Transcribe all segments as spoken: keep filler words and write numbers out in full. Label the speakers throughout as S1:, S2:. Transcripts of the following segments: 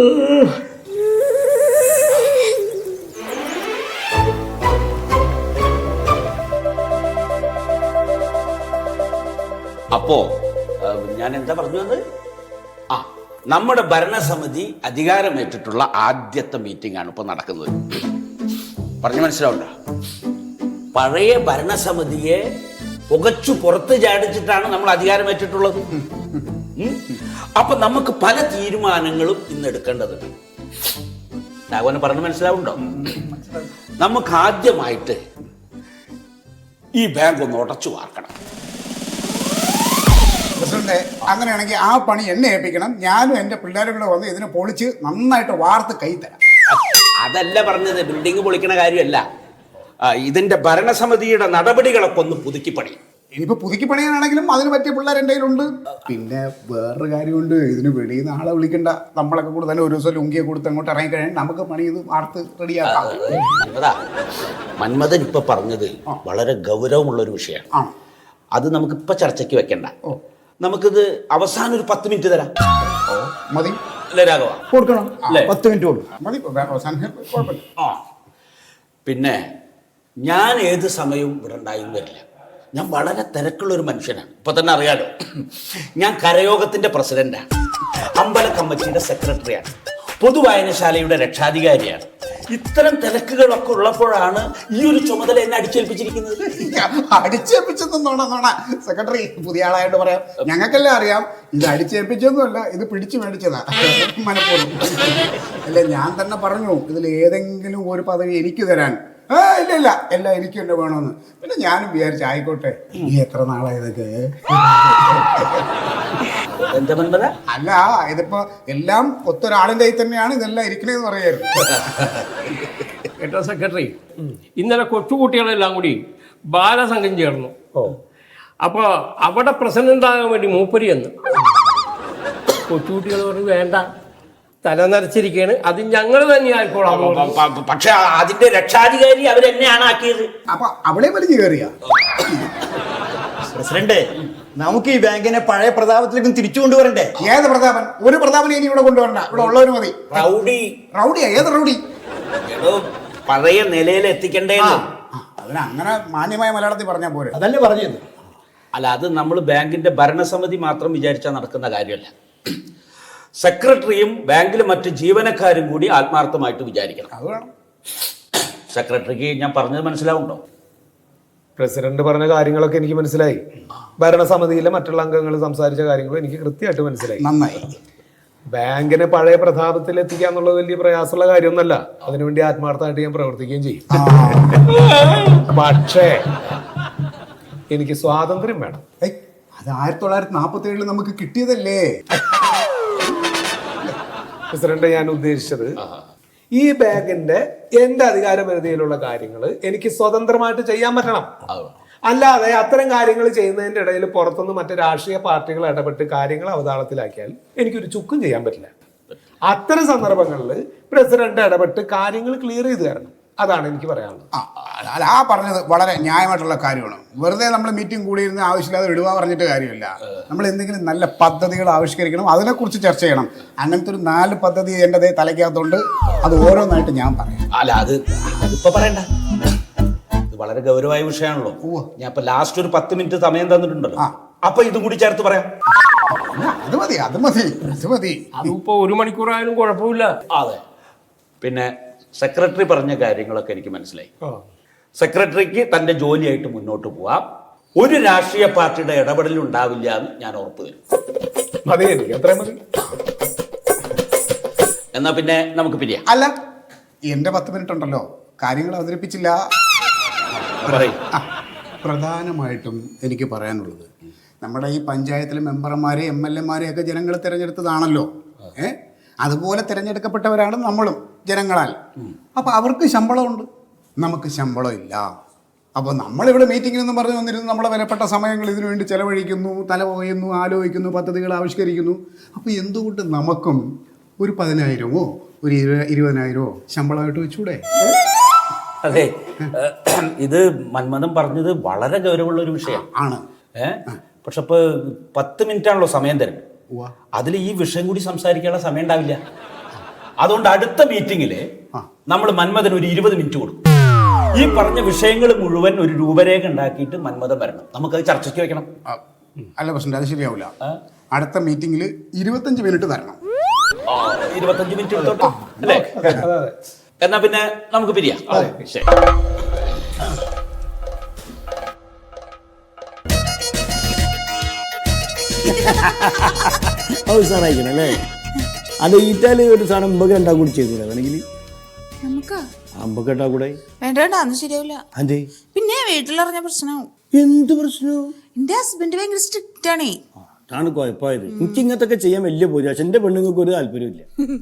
S1: അപ്പോ ഞാൻ എന്താ പറഞ്ഞു വന്നത്? ആ നമ്മുടെ ഭരണസമിതി അധികാരമേറ്റിട്ടുള്ള ആദ്യത്തെ മീറ്റിംഗ് ആണ് ഇപ്പൊ നടക്കുന്നത്. പറഞ്ഞു മനസ്സിലാവണ്ട? പഴയ ഭരണസമിതിയെ പുകച്ചു പുറത്ത് ചാടിച്ചിട്ടാണ് നമ്മൾ അധികാരമേറ്റിട്ടുള്ളത്. അപ്പൊ നമുക്ക് പല തീരുമാനങ്ങളും ഇന്ന് എടുക്കേണ്ടതുണ്ട്. രാഘവന് പറഞ്ഞു മനസ്സിലാവുണ്ടോ? നമുക്ക് ആദ്യമായിട്ട് ഈ ബാങ്ക് ഒന്ന് ഉടച്ചു വാർക്കണം.
S2: പ്രസിഡന്റ്, അങ്ങനെയാണെങ്കിൽ ആ പണി എന്നെ ഏൽപ്പിക്കണം. ഞാനും എന്റെ പിള്ളേരും കൂടെ വന്ന് ഇതിനെ പൊളിച്ച് നന്നായിട്ട് വാർത്ത് കൈ തരാം.
S1: അതല്ല പറഞ്ഞത്, ബിൽഡിംഗ് പൊളിക്കണ കാര്യമല്ല. ഇതിന്റെ ഭരണസമിതിയുടെ നടപടികളൊക്കെ ഒന്ന് പുതുക്കി പണി.
S2: ഇനിയിപ്പോ പുതുക്കി പണിയാനാണെങ്കിലും അതിന് പറ്റിയ പിള്ളേർ എൻ്റെ കയ്യിലുണ്ട്. പിന്നെ വേറൊരു കാര്യമുണ്ട്, ഇതിന് വെളിയിൽ നിന്ന് ആളെ വിളിക്കണ്ട. നമ്മളൊക്കെ കൂടെ തന്നെ ഒരു ദിവസം ലുങ്കിയെ കൊടുത്ത് അങ്ങോട്ട് ഇറങ്ങിക്കഴിഞ്ഞാൽ നമുക്ക് പണി ഇത് വാർത്ത് റെഡിയാക്കാം.
S1: മന്മഥൻ ഇപ്പൊ പറഞ്ഞത് വളരെ ഗൗരവമുള്ള ഒരു വിഷയമാണ്. അത് നമുക്ക് ഇപ്പൊ ചർച്ചയ്ക്ക് വെക്കണ്ട. നമുക്കിത് അവസാനം ഒരു പത്ത് മിനിറ്റ് തരാം.
S2: മതി
S1: അല്ലേ രാഘവ?
S2: കൊടുക്കണം, പത്ത് മിനിറ്റ് കൊടുക്കണം. മതി, അവസാനം കുഴപ്പമില്ല.
S1: ആ പിന്നെ ഞാൻ ഏത് സമയവും ഇവിടെ ഉണ്ടായിരുന്നു വരില്ല. ഞാൻ വളരെ തിരക്കുള്ള ഒരു മനുഷ്യനാണ്. ഇപ്പൊ തന്നെ അറിയാലോ, ഞാൻ കരയോഗത്തിന്റെ പ്രസിഡന്റാണ്, അമ്പല കമ്മിറ്റിയുടെ സെക്രട്ടറിയാണ്, പൊതുവായനശാലയുടെ രക്ഷാധികാരിയാണ്. ഇത്തരം തിരക്കുകളൊക്കെ ഉള്ളപ്പോഴാണ് ഈ ഒരു ചുമതല എന്നെ അടിച്ചേൽപ്പിച്ചിരിക്കുന്നത്.
S2: അടിച്ചേൽപ്പിച്ചെന്നോണ സെക്രട്ടറി, പുതിയ ആളായിട്ട് പറയാം. ഞങ്ങൾക്കെല്ലാം അറിയാം ഇത് അടിച്ചേൽപ്പിച്ചൊന്നുമല്ല, ഇത് പിടിച്ചു മേടിച്ചതാ മനഃപൂർവ്വം. അല്ല, ഞാൻ തന്നെ പറഞ്ഞു ഇതിൽ ഏതെങ്കിലും ഒരു പദവി എനിക്ക് തരാൻ. ആ ഇല്ല ഇല്ല, എല്ലാം എനിക്ക് തന്നെ വേണമെന്ന്. പിന്നെ ഞാനും വിചാരിച്ചു ആയിക്കോട്ടെ, ഈ എത്ര നാളായതൊക്കെ. അല്ല, ഇതിപ്പോ എല്ലാം ഒത്തൊരാളിന്റെ കയ്യിൽ തന്നെയാണ് ഇതെല്ലാം ഇരിക്കണേന്ന് പറയായിരുന്നു.
S3: കേട്ടോ സെക്രട്ടറി, ഇന്നലെ കൊച്ചുകുട്ടികളെല്ലാം കൂടി ബാലസംഘം ചേർന്നു. അപ്പൊ അവിടെ പ്രസിഡന്റ് ആകാൻ വേണ്ടി മൂപ്പരി എന്ന് കൊച്ചുകുട്ടികൾ പറഞ്ഞു വേണ്ട, തല നരച്ചിരിക്കുകയാണ്, അത് ഞങ്ങൾ തന്നെ ആയിക്കോളാം.
S1: പക്ഷെ അതിന്റെ രക്ഷാധികാരി അവരെന്നെയാണ് ആക്കിയത്.
S2: അപ്പൊ അവളെ വലിഞ്ഞു കയറിയ
S4: പ്രസിഡന്റ്, നമുക്ക് ഈ ബാങ്കിനെ പഴയ പ്രതാപത്തിലേക്കും തിരിച്ചു കൊണ്ടുവരണ്ടേ?
S2: ഏത് പ്രതാപൻ? ഒരു പ്രതാപനെ ഇനി ഇവിടെ കൊണ്ടുവരണ്ട, ഇവിടെ ഉള്ളവര് മതി.
S1: റൗഡി
S2: റൗഡിയാ? ഏത് റൗഡി?
S1: പഴയ നിലയിൽ എത്തിക്കണ്ടേ?
S2: അതിന് അങ്ങനെ മാന്യമായ മലയാളത്തിൽ പറഞ്ഞാൽ പോരെ.
S4: അതല്ലേ പറഞ്ഞത്.
S1: അല്ല, അത് നമ്മൾ ബാങ്കിന്റെ ഭരണസമിതി മാത്രം വിചാരിച്ചാൽ നടക്കുന്ന കാര്യമല്ല. സെക്രട്ടറിയും ബാങ്കിലെ മറ്റ് ജീവനക്കാരും കൂടി ആത്മാർത്ഥമായിട്ട് വിചാരിക്കണം.
S2: അത് വേണം.
S1: സെക്രട്ടറിക്ക് ഞാൻ പറഞ്ഞത് മനസ്സിലാവുണ്ടോ?
S5: പ്രസിഡന്റ് പറഞ്ഞ കാര്യങ്ങളൊക്കെ എനിക്ക് മനസ്സിലായി. ഭരണസമിതിയിലെ മറ്റുള്ള അംഗങ്ങൾ സംസാരിച്ച കാര്യങ്ങളും എനിക്ക് കൃത്യമായിട്ട് മനസ്സിലായി.
S2: നന്നായി.
S5: ബാങ്കിനെ പഴയ പ്രതാപത്തിൽ എത്തിക്കുക എന്നുള്ളത് വലിയ പ്രയാസമുള്ള കാര്യമൊന്നുമല്ല. അതിനുവേണ്ടി ആത്മാർത്ഥമായിട്ട് ഞാൻ പ്രവർത്തിക്കുകയും ചെയ്യും. പക്ഷേ എനിക്ക് സ്വാതന്ത്ര്യം വേണം.
S2: അത് ആയിരത്തി തൊള്ളായിരത്തി നാപ്പത്തി ഏഴില് നമുക്ക് കിട്ടിയതല്ലേ
S5: പ്രസിഡന്റ്. ഞാൻ ഉദ്ദേശിച്ചത് ഈ ബാങ്കിന്റെ എന്റെ അധികാര പരിധിയിലുള്ള കാര്യങ്ങൾ എനിക്ക് സ്വതന്ത്രമായിട്ട് ചെയ്യാൻ പറ്റണം. അല്ലാതെ അത്തരം കാര്യങ്ങൾ ചെയ്യുന്നതിന്റെ ഇടയിൽ പുറത്തുനിന്ന് മറ്റു രാഷ്ട്രീയ പാർട്ടികൾ ഇടപെട്ട് കാര്യങ്ങൾ അവതാളത്തിലാക്കിയാൽ എനിക്കൊരു ചുക്കും ചെയ്യാൻ പറ്റില്ല. അത്തരം സന്ദർഭങ്ങളിൽ പ്രസിഡന്റ് ഇടപെട്ട് കാര്യങ്ങൾ ക്ലിയർ ചെയ്ത് തരണം. അതാണ് എനിക്ക് പറയാനുള്ളത്.
S2: അല്ല, ആ പറഞ്ഞത് വളരെ ന്യായമായിട്ടുള്ള കാര്യമാണ്. വെറുതെ നമ്മൾ മീറ്റിംഗ് കൂടിയിരുന്ന് ആവശ്യമില്ലാതെ വിടുക പറഞ്ഞിട്ട് കാര്യമില്ല. നമ്മൾ എന്തെങ്കിലും നല്ല പദ്ധതികൾ ആവിഷ്കരിക്കണം, അതിനെക്കുറിച്ച് ചർച്ച ചെയ്യണം. അങ്ങനത്തെ ഒരു നാല് പദ്ധതി എൻ്റെ തലയ്ക്കകത്തുണ്ട്. അത് ഓരോന്നായിട്ട് ഞാൻ പറയാം.
S1: അല്ല, അത് അതിപ്പോ പറയണ്ട. ഇത് വളരെ ഗൗരവമായ വിഷയമാണല്ലോ. ഞാൻ ഇപ്പൊ ലാസ്റ്റ് ഒരു പത്ത് മിനിറ്റ് സമയം തന്നിട്ടുണ്ടല്ലോ, അപ്പൊ ഇതും കൂടി ചേർത്ത് പറയാം.
S2: അത് മതി, അത് മതി, അത് മതി.
S3: അതിപ്പോ ഒരു മണിക്കൂറായാലും കുഴപ്പമില്ല.
S1: അതെ. പിന്നെ സെക്രട്ടറി പറഞ്ഞ കാര്യങ്ങളൊക്കെ എനിക്ക് മനസ്സിലായി. സെക്രട്ടറിക്ക് തന്റെ ജോലിയായിട്ട് മുന്നോട്ട് പോവാം. ഒരു രാഷ്ട്രീയ പാർട്ടിയുടെ ഇടപെടൽ ഉണ്ടാവില്ല എന്ന് ഞാൻ ഉറപ്പ് തരും.
S5: മതി, എനിക്ക് അത്രയും മതി.
S1: എന്നാ പിന്നെ നമുക്ക് പിരിയാം.
S2: അല്ല, എന്റെ പത്ത് മിനിറ്റ് ഉണ്ടല്ലോ, കാര്യങ്ങൾ അവതരിപ്പിച്ചില്ല. പ്രധാനമായിട്ടും എനിക്ക് പറയാനുള്ളത്, നമ്മുടെ ഈ പഞ്ചായത്തിലെ മെമ്പർമാരെ എം എൽ എമാരെ ഒക്കെ ജനങ്ങൾ തിരഞ്ഞെടുത്തതാണല്ലോ. ഏ അതുപോലെ തിരഞ്ഞെടുക്കപ്പെട്ടവരാണ് നമ്മളും ജനങ്ങളാൽ. അപ്പൊ അവർക്ക് ശമ്പളമുണ്ട്, നമുക്ക് ശമ്പളം ഇല്ല. അപ്പോൾ നമ്മളിവിടെ മീറ്റിങ്ങിനെന്ന് പറഞ്ഞു വന്നിരുന്നു, നമ്മളെ വിലപ്പെട്ട സമയങ്ങൾ ഇതിനു വേണ്ടി ചെലവഴിക്കുന്നു, തല പോയുന്നു, ആലോചിക്കുന്നു, പദ്ധതികൾ ആവിഷ്കരിക്കുന്നു. അപ്പോൾ എന്തുകൊണ്ട് നമുക്കും ഒരു പതിനായിരമോ ഒരു ഇരുപതിനായിരമോ ശമ്പളമായിട്ട് വെച്ചൂടെ?
S1: അതെ, ഇത് മന്മഥൻ പറഞ്ഞത് വളരെ ഗൗരവമുള്ള ഒരു വിഷയം
S2: ആണ്.
S1: ഏഹ് പക്ഷെ ഇപ്പൊ പത്ത് മിനിറ്റ് ആണല്ലോ സമയം തരുന്നത്. അതിൽ ഈ വിഷയം കൂടി സംസാരിക്കാനുള്ള സമയം ഉണ്ടാവില്ല. അതുകൊണ്ട് അടുത്ത മീറ്റിംഗില് നമ്മൾ മന്മഥന് ഒരു ഇരുപത് മിനിറ്റ് കൊടുക്കും. ഈ പറഞ്ഞ വിഷയങ്ങൾ മുഴുവൻ ഒരു രൂപരേഖ ഉണ്ടാക്കിയിട്ട് മന്മഥൻ വരണം. നമുക്കത് ചർച്ചയ്ക്ക് വെക്കണം.
S2: ആ, അല്ല പ്രശ്നം, അത് ശരിയാവില്ല. അടുത്ത മീറ്റിംഗിൽ ഇരുപത്തഞ്ച് മിനിറ്റ് തരണം.
S1: ആ, ഇരുപത്തഞ്ച് മിനിറ്റ് എടുത്തോട്ടോ അല്ലേ? എന്നാ പിന്നെ നമുക്ക് പിരിയാം. ശരി.
S6: അവസാനായിക്കണം അല്ലേ? അത് ഈറ്റാല് ഒരു സാധനം അമ്പക്ക് രണ്ടാ കൂടി ചെയ്തൂടെ വേണമെങ്കിൽ?
S7: നമുക്ക്
S6: അമ്പക്ക് രണ്ടാ കൂടെ
S7: വേണ്ട വേണ്ട അന്ന് ശരിയാവില്ല.
S6: അതെ.
S7: പിന്നെ വീട്ടിലറിഞ്ഞ പ്രശ്നവും.
S6: എന്ത് പ്രശ്നവും?
S7: എന്റെ ഹസ്ബൻഡ് ഭയങ്കര സ്ട്രിക്റ്റ് ആണേ.
S6: അതാണ് കുഴപ്പമായത്. എനിക്ക് ഇങ്ങനത്തെ ഒക്കെ ചെയ്യാൻ വലിയ പോയി. പക്ഷെ എന്റെ പെണ്ണുങ്ങൾക്ക് ഒരു താല്പര്യമില്ല.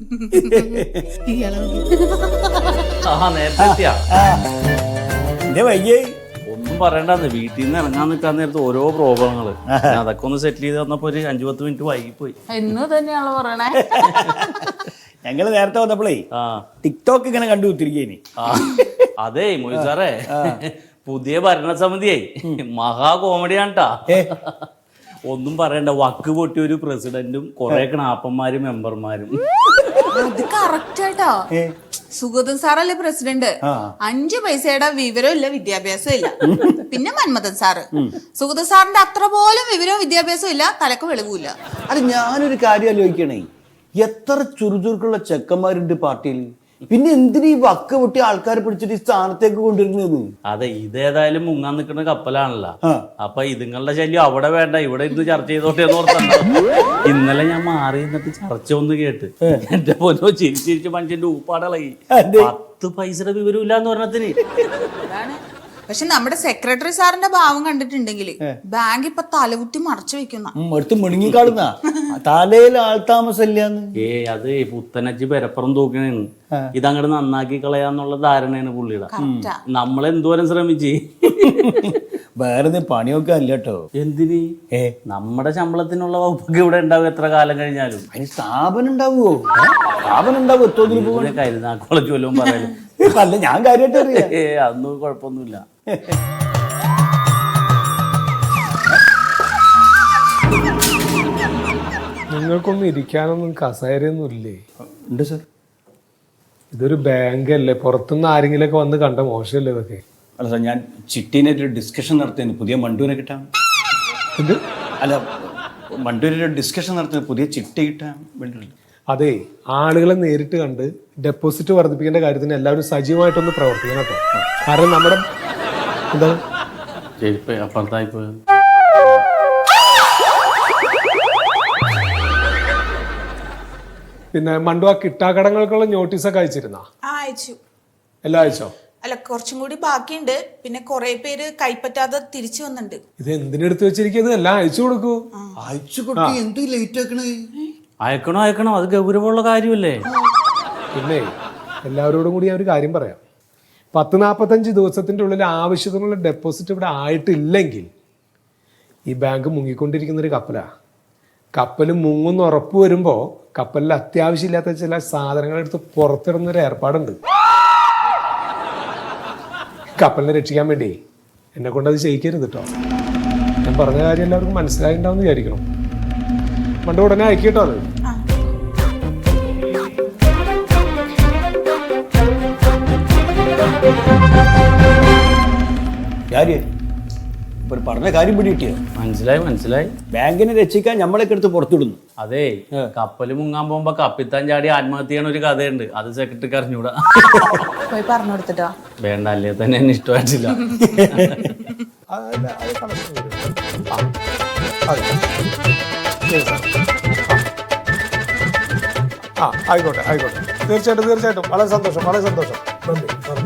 S6: എന്റെ വയ്യേ
S8: ഒന്നും പറയണ്ടെന്ന് വീട്ടിൽ നിന്ന് ഇറങ്ങാൻ നിൽക്കാൻ നേരത്ത് ഓരോ പ്രോബ്ലങ്ങള്. അതൊക്കെ ഒന്ന് സെറ്റിൽ ചെയ്ത് വന്നപ്പോ ഒരു അഞ്ചു പത്ത് മിനിറ്റ് വൈകിപ്പോയി.
S7: എന്ന് തന്നെയാണല്ലോ പറയണേ.
S6: ഞങ്ങള് നേരത്തെ വന്നപ്പോഴേ
S8: ആ
S6: ടിക്ടോക്ക് ഇങ്ങനെ കണ്ടു കുത്തിരിക്കേനി.
S8: ആ അതേ മൊയ് സാറേ, പുതിയ ഭരണസമിതിയെ മഹാ കോമഡിയാണ് ട്ടാ. ഒന്നും പറയണ്ട, വക്ക് പൊട്ടിയ ഒരു പ്രസിഡന്റും കുറെ കണാപ്പന്മാരും മെമ്പർമാരും.
S7: അത് കറക്റ്റ് ആയിട്ടോ. സുഗതൻ സാറല്ലേ പ്രസിഡന്റ്. അഞ്ചു പൈസയുടെ വിവരവും ഇല്ല, വിദ്യാഭ്യാസം ഇല്ല. പിന്നെ മന്മഥൻ സാറ്, സുഗതൻ സാറിന്റെ അത്ര പോലും വിവരവും വിദ്യാഭ്യാസവും ഇല്ല, തലക്ക് വെളിവില്ല.
S6: അത് ഞാനൊരു കാര്യം ആലോചിക്കണേ, എത്ര ചുറുചുറുക്കുള്ള ചെക്കന്മാരുണ്ട് പാർട്ടിയിൽ. പിന്നെ എന്തിനീ വക്ക് പൊട്ടി ആൾക്കാരെ പിടിച്ചിട്ട് ഈ സ്ഥാനത്തേക്ക് കൊണ്ടുവരുന്നത്?
S8: അതെ, ഇതേതായാലും മുങ്ങാൻ നിൽക്കുന്ന കപ്പലാണല്ലോ. അപ്പൊ ഇതുങ്ങളുടെ ശല്യം അവിടെ വേണ്ട, ഇവിടെ ഇത് ചർച്ച ചെയ്തോട്ടെ എന്ന് ഓർത്തണ്ട. ഇന്നലെ ഞാൻ മാറി നിന്നിട്ട് ചർച്ച ഒന്ന് കേട്ട് എന്റെ പൊന്നോ ചിരിച്ചിരിച്ച് മനുഷ്യന്റെ ഊപ്പാടളകി. പത്ത് പൈസയുടെ വിവരമില്ല എന്ന് പറഞ്ഞതിന്.
S7: അതാണ്. പക്ഷെ നമ്മുടെ സെക്രട്ടറി സാറിന്റെ ഭാവം കണ്ടിട്ടുണ്ടെങ്കിൽ ബാങ്ക് ഇപ്പൊ തലകുത്തി മറച്ചു വെക്കുന്ന
S6: അടുത്ത് മുണുങ്ങിക്കാടുന്ന തലയിൽ ആൾതാമസമില്ലാന്ന്.
S8: ഏ അത് പുത്തനച്ചി പെരപ്പുറം തൂക്കണേന്ന്. ഇതങ്ങോട്ട് നന്നാക്കി കളയാന്നുള്ള ധാരണയാണ് പുള്ളിയുടെ. നമ്മൾ എന്തോരം ശ്രമിച്ച്
S6: വേറെ പണിയൊക്കെ അല്ല കേട്ടോ.
S8: എന്തിന്? ഏ നമ്മുടെ ശമ്പളത്തിനുള്ള വകുപ്പൊക്കെ ഇവിടെ ഉണ്ടാവും എത്ര കാലം കഴിഞ്ഞാലും.
S6: അതിന് സ്ഥാപനം ഉണ്ടാവുമോ? സ്ഥാപനം ഉണ്ടാവും. എത്തോതിന് പോകും
S8: കരുനാക്കോളെ ചൊല്ലും പറയാലും.
S6: അല്ല, ഞാൻ കാര്യമായിട്ട് അറിയാം.
S8: ഏ അതൊന്നും കുഴപ്പമൊന്നുമില്ല.
S5: നിങ്ങൾക്കൊന്നും ഇരിക്കാനൊന്നും കസേരയൊന്നും ഇല്ലേ?
S6: ഉണ്ട് സാർ.
S5: ഇതൊരു ബാങ്ക് അല്ലേ, പുറത്തുനിന്ന് ആരെങ്കിലൊക്കെ വന്ന് കണ്ട മോശമല്ലേ ഇതൊക്കെ?
S6: അല്ല സാർ, ഞാൻ ചിട്ടീനായിട്ടൊരു ഡിസ്കഷൻ നടത്തിയാണ് പുതിയ മണ്ടൂരെ കിട്ടാൻ.
S5: ഇത്
S6: അല്ല, മണ്ടൂരൊരു ഡിസ്കഷൻ നടത്തുന്നത് പുതിയ ചിട്ട കിട്ടാൻ വേണ്ടിയിട്ടുണ്ട്.
S5: അതെ, ആളുകളെ നേരിട്ട് കണ്ട് ഡെപ്പോസിറ്റ് വർദ്ധിപ്പിക്കേണ്ട കാര്യത്തിന് എല്ലാവരും സജീവമായിട്ടൊന്ന് പ്രവർത്തിക്കണം കേട്ടോ. കാരണം നമ്മുടെ എന്താണ്
S8: ചെരുപ്പ് അപ്പുറത്തായി പോയത്.
S5: പിന്നെ മണ്ടു, ആ കിട്ടാക്കടങ്ങൾക്കുള്ള നോട്ടീസൊക്കെ അയച്ചിരുന്ന?
S7: അയച്ചു.
S5: എല്ലാം അയച്ചോ?
S7: അല്ല, കുറച്ചും കൂടി ബാക്കിയുണ്ട്. പിന്നെ കുറെ പേര് കൈപ്പറ്റാതെ തിരിച്ചു വന്നിട്ടുണ്ട്.
S5: ഇത് എന്തിനെടുത്ത് വെച്ചിരിക്കുന്നത്? എല്ലാം അയച്ചു കൊടുക്കൂ.
S6: അയച്ചു കൊടുത്ത് എന്ത് ലേറ്റ് ആക്കണേ?
S8: അയക്കണോ അയക്കണോ, അത് ഗൗരവമുള്ള കാര്യമല്ലേ.
S5: പിന്നെ എല്ലാവരോടും കൂടി ഞാൻ ഒരു കാര്യം പറയാം. പത്ത് നാൽപ്പത്തഞ്ച് ദിവസത്തിൻ്റെ ഉള്ളിൽ ആവശ്യത്തിനുള്ള ഡെപ്പോസിറ്റ് ഇവിടെ ആയിട്ടില്ലെങ്കിൽ ഈ ബാങ്ക് മുങ്ങിക്കൊണ്ടിരിക്കുന്നൊരു കപ്പലാണ്. കപ്പൽ മുങ്ങുന്ന ഉറപ്പ് വരുമ്പോൾ കപ്പലിൽ അത്യാവശ്യമില്ലാത്ത ചില സാധനങ്ങൾ എടുത്ത് പുറത്തിടുന്നൊരു ഏർപ്പാടുണ്ട്. കപ്പലിനെ രക്ഷിക്കാൻ വേണ്ടി എന്നെ കൊണ്ട് അത് ചെയ്യിക്കരുത് കേട്ടോ. ഞാൻ പറഞ്ഞ കാര്യം എല്ലാവർക്കും മനസ്സിലായിട്ടുണ്ടാവും വിചാരിക്കണം. പണ്ട് ഉടനെ അയക്കിട്ടോ അത്.
S6: കാര്യം ഇപ്പൊ പറഞ്ഞ കാര്യം പിടി കിട്ടിയോ?
S8: മനസ്സിലായി മനസ്സിലായി.
S6: ബാങ്കിനെ രക്ഷിക്കാൻ നമ്മളൊക്കെ എടുത്ത് പുറത്തുവിടുന്നു.
S8: അതെ, കപ്പല് മുങ്ങാൻ പോകുമ്പോ കപ്പിത്താൻ ചാടി ആത്മഹത്യ ചെയ്യണ ഒരു കഥയുണ്ട്. അത് സെക്രട്ടറിക്ക് അറിഞ്ഞൂടാ.
S7: പോയി പറഞ്ഞു കൊടുത്തിട്ടോ?
S8: വേണ്ട, അല്ലേ തന്നെ എന്നെ ഇഷ്ടമായിട്ടില്ല.
S5: ആ ആയിക്കോട്ടെ ആയിക്കോട്ടെ, തീർച്ചയായിട്ടും തീർച്ചയായിട്ടും. വളരെ സന്തോഷം, വളരെ സന്തോഷം. നന്ദി നന്ദി.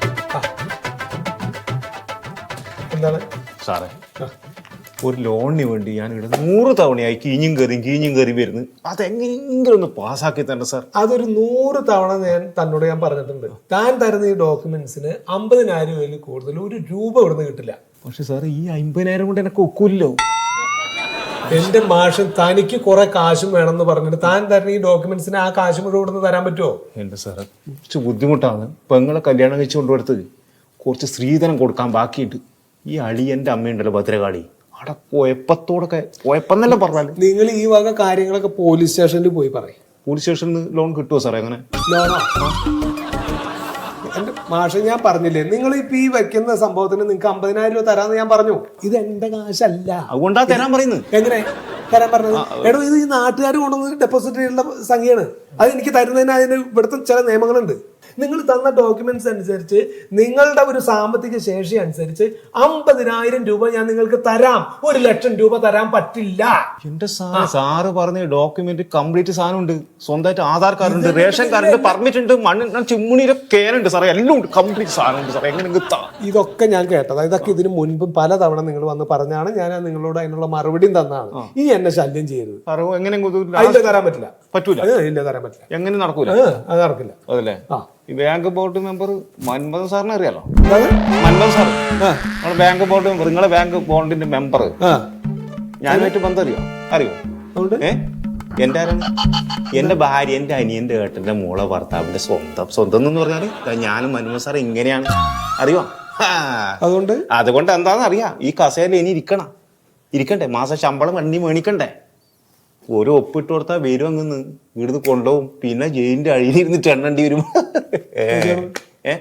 S5: എന്താണ്
S9: സാറേ, ഒരു ലോണിന് വേണ്ടി ഞാൻ ഇവിടെ നൂറ് തവണയായി കീഞ്ഞും കയറിയും കീഞ്ഞും കയറി വരുന്നു. അതെങ്ങനെയെങ്കിലും ഒന്ന് പാസ്സാക്കി തന്നെ സാർ.
S5: അതൊരു നൂറ് തവണ ഞാൻ തന്നോട് ഞാൻ പറഞ്ഞിട്ടുണ്ട്. താൻ തരുന്ന ഈ ഡോക്യുമെന്റ്സിന് അമ്പതിനായിരം രൂപയിൽ കൂടുതൽ ഒരു രൂപ ഇവിടുന്ന് കിട്ടില്ല.
S9: പക്ഷെ സാർ, ഈ അമ്പതിനായിരം കൊണ്ട് എനിക്ക് ഒക്കില്ലോ.
S5: എന്റെ മാഷൻ തനിക്ക് കുറെ കാശും വേണമെന്ന് പറഞ്ഞിട്ട് താൻ തരുന്ന ഈ ഡോക്യുമെന്റ്സിന് ആ കാശ് മുഴുവൻ ഇവിടുന്ന് തരാൻ പറ്റുമോ?
S9: എന്റെ സാറ്, കുറച്ച് ബുദ്ധിമുട്ടാണ്. പെങ്ങളെ കല്യാണം കഴിച്ച് കൊണ്ടുകൊടുത്ത് കുറച്ച് സ്ത്രീധനം കൊടുക്കാൻ ബാക്കിയിട്ട് ഈ അളിയന്റെ അമ്മയുണ്ടല്ലോ ഭദ്രകാളി, അവിടെ കുഴപ്പത്തോടൊക്കെ കുഴപ്പമെന്നല്ല പറഞ്ഞാൽ
S5: നിങ്ങൾ ഈ വക കാര്യങ്ങളൊക്കെ പോലീസ് സ്റ്റേഷനിൽ പോയി പറയും.
S9: പോലീസ് സ്റ്റേഷനിൽ നിന്ന് ലോൺ കിട്ടുമോ സാറേ അങ്ങനെ?
S5: ലോണോ? എന്റെ മാഷെ ഞാൻ പറഞ്ഞില്ലേ, നിങ്ങൾ ഇപ്പൊ ഈ വെക്കുന്ന സംഭവത്തിന് നിങ്ങൾക്ക് അമ്പതിനായിരം രൂപ തരാന്ന് ഞാൻ പറഞ്ഞു. ഇത് എന്റെ കാശല്ല.
S9: അതുകൊണ്ടാ തരാൻ പറയുന്നത്.
S5: എങ്ങനെ തരാൻ പറഞ്ഞത്? എടോ, ഇത് ഈ നാട്ടുകാർ കൊണ്ടുവന്ന് ഡെപ്പോസിറ്റ് ചെയ്യുന്ന സംഖ്യയാണ്. അത് എനിക്ക് തരുന്നതിന് അതിന് ഇവിടുത്തെ ചില നിയമങ്ങളുണ്ട്. നിങ്ങൾ തന്ന ഡോക്യുമെന്റ്സ് അനുസരിച്ച് നിങ്ങളുടെ ഒരു സാമ്പത്തിക ശേഷി അനുസരിച്ച് അമ്പതിനായിരം രൂപ ഞാൻ നിങ്ങൾക്ക് തരാം. ഒരു ലക്ഷം രൂപ തരാൻ പറ്റില്ല.
S9: എന്റെ സാറ് സാറ് പറഞ്ഞ ഡോക്യുമെന്റ് കംപ്ലീറ്റ് സാധനം ഉണ്ട്. സ്വന്തമായിട്ട് ആധാർ കാർഡ് ഉണ്ട്, റേഷൻ കാർഡ് ഉണ്ട്, പെർമിറ്റ് ഉണ്ട്, മണ്ണ് ചിമ്മുണിയുടെ കേനുണ്ട് സാറേ, എല്ലാം ഉണ്ട്. കംപ്ലീറ്റ് സാധനം ഉണ്ട് സാറേ. എങ്ങനെ
S5: ഇതൊക്കെ ഞാൻ കേട്ടത്. ഇതൊക്കെ ഇതിന് മുൻപും പലതവണ നിങ്ങൾ വന്ന് പറഞ്ഞാണ്. ഞാൻ നിങ്ങളോട് അതിനുള്ള മറുപടിയും തന്നതാണ്. ഇനി എന്നെ ശല്യം ചെയ്യരുത്.
S9: എങ്ങനെ
S5: അതില്ല, തരാൻ പറ്റില്ല.
S9: പറ്റൂല.
S5: ഇല്ല, തരാൻ പറ്റില്ല.
S9: എങ്ങനെ നടക്കൂല?
S5: അത് നടക്കില്ല.
S9: അതല്ലേ?
S5: ആ,
S9: ഈ ബാങ്ക് ബോർഡ് മെമ്പർ മൻമോഹൻ സാറിനെ അറിയാലോ? മൻമോഹൻ സാർ നമ്മളെ ബാങ്ക് ബോർഡ് മെമ്പർ, നിങ്ങളെ ബാങ്ക് ബോർഡിന്റെ മെമ്പർ. ഞാനുമായിട്ട് ബന്ധം അറിയോ? അറിയോ? ഏ എന്റെ ആരാണ്? എന്റെ ഭാര്യ, എന്റെ അനിയന്റെ ഏട്ടന്റെ മോളെ ഭർത്താവിന്റെ സ്വന്തം. സ്വന്തം എന്ന് പറഞ്ഞാല് ഞാനും മൻമോഹൻ സാർ ഇങ്ങനെയാണ്. അറിയോ?
S5: അതുകൊണ്ട്
S9: അതുകൊണ്ട് എന്താണെന്ന് അറിയാം. ഈ കസേരയിൽ ഇനി ഇരിക്കണം. ഇരിക്കണ്ടേ? മാസം ശമ്പളം വണ്ടി മേണിക്കണ്ടേ? ഒരു ഒപ്പിട്ട് കൊടുത്താൽ വരും അങ്ങ് ഇവിടുന്ന് കൊണ്ടുപോകും. പിന്നെ ജയിലിന്റെ അഴിയിലിരുന്നിട്ട് എണ്ണേണ്ടി വരും. ഏ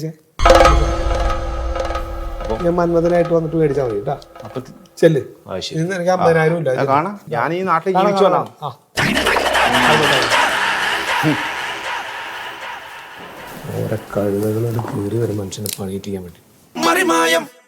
S5: ഞാൻ മന്മഥനായിട്ട് വന്നിട്ട് മേടിച്ചാൽ മതി കേട്ടാ.
S9: അപ്പൊ
S5: ചെല്ല്.
S9: ആ, ശരി.
S5: ഇന്ന് എനിക്ക് അമ്പതിനായിരം ഇല്ല.
S9: കാണാം, ഞാൻ ഈ നാട്ടിൽ ജീവിച്ചോളാം.
S5: ഓരോ കഴുതകളോട് കയറി വരും മനുഷ്യനെ പണിയിട്ട് ചെയ്യാൻ വേണ്ടി.
S1: മറിമായം